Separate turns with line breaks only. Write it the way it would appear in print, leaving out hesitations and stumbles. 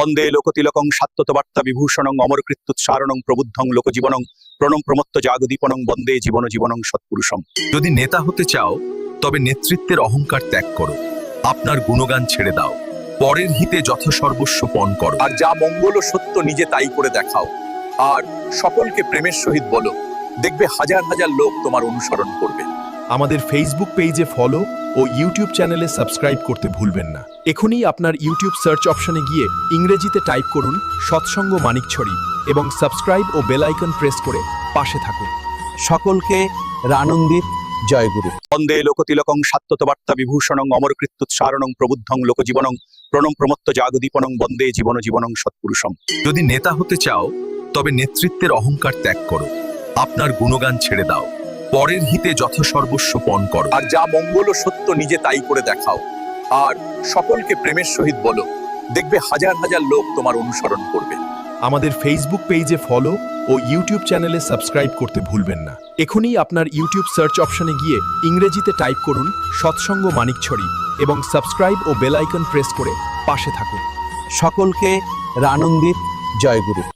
বন্দে লোকতিলকং সাত্যতবার্তা বিভূষণং অমরকৃত্যুৎসারণং প্রবুদ্ধং লোকজীবনং প্রণম প্রমত্ত জাগদীপনং বন্দে জীবন জীবনং সৎপুরুষম।
যদি নেতা হতে চাও তবে নেতৃত্বের অহংকার ত্যাগ করো, আপনার গুণগান ছেড়ে দাও, পরের হিতে যথাসর্বস্ব পণ করো, আর যা মঙ্গল ও সত্য নিজে তাই করে দেখাও, আর সকলকে প্রেমের সহিত বলো, দেখবে হাজার হাজার লোক তোমার অনুসরণ করবে।
আমাদের ফেসবুক পেজে ফলো ও ইউটিউব চ্যানেলে সাবস্ক্রাইব করতে ভুলবেন না। এখনই আপনার ইউটিউব সার্চ অপশনে গিয়ে ইংরেজিতে টাইপ করুন সৎসঙ্গ মানিকছড়ি এবং সাবস্ক্রাইব ও বেল আইকন প্রেস করে পাশে থাকুন।
সকলকে রানন্দিত জয়গুরু।
বন্দে লোকতিলকং সাত্যতবার্তা বিভূষণং অমরকৃত্যুৎসারণং প্রবুদ্ধং লোকজীবনং প্রণম প্রমত্ত জাগদীপনং বন্দে জীবন জীবনং সৎপুরুষম।
যদি নেতা হতে চাও তবে নেতৃত্বের অহংকার ত্যাগ করো, আপনার গুণগান ছেড়ে দাও, পরের হিতে যথাসর্বস্ব পণ করো, আর যা মঙ্গল ও সত্য নিজে তাই করে দেখাও, আর সকলকে প্রেমের সহিত বলো, দেখবে হাজার হাজার লোক তোমার অনুসরণ করবে।
আমাদের ফেসবুক পেজে ফলো ও ইউটিউব চ্যানেলে সাবস্ক্রাইব করতে ভুলবেন না। এখনই আপনার ইউটিউব সার্চ অপশনে গিয়ে ইংরেজিতে টাইপ করুন সৎসঙ্গ মানিকছড়ি এবং সাবস্ক্রাইব ও বেল আইকন প্রেস করে পাশে থাকুন।
সকলকে রানন্দিত জয়গুরু।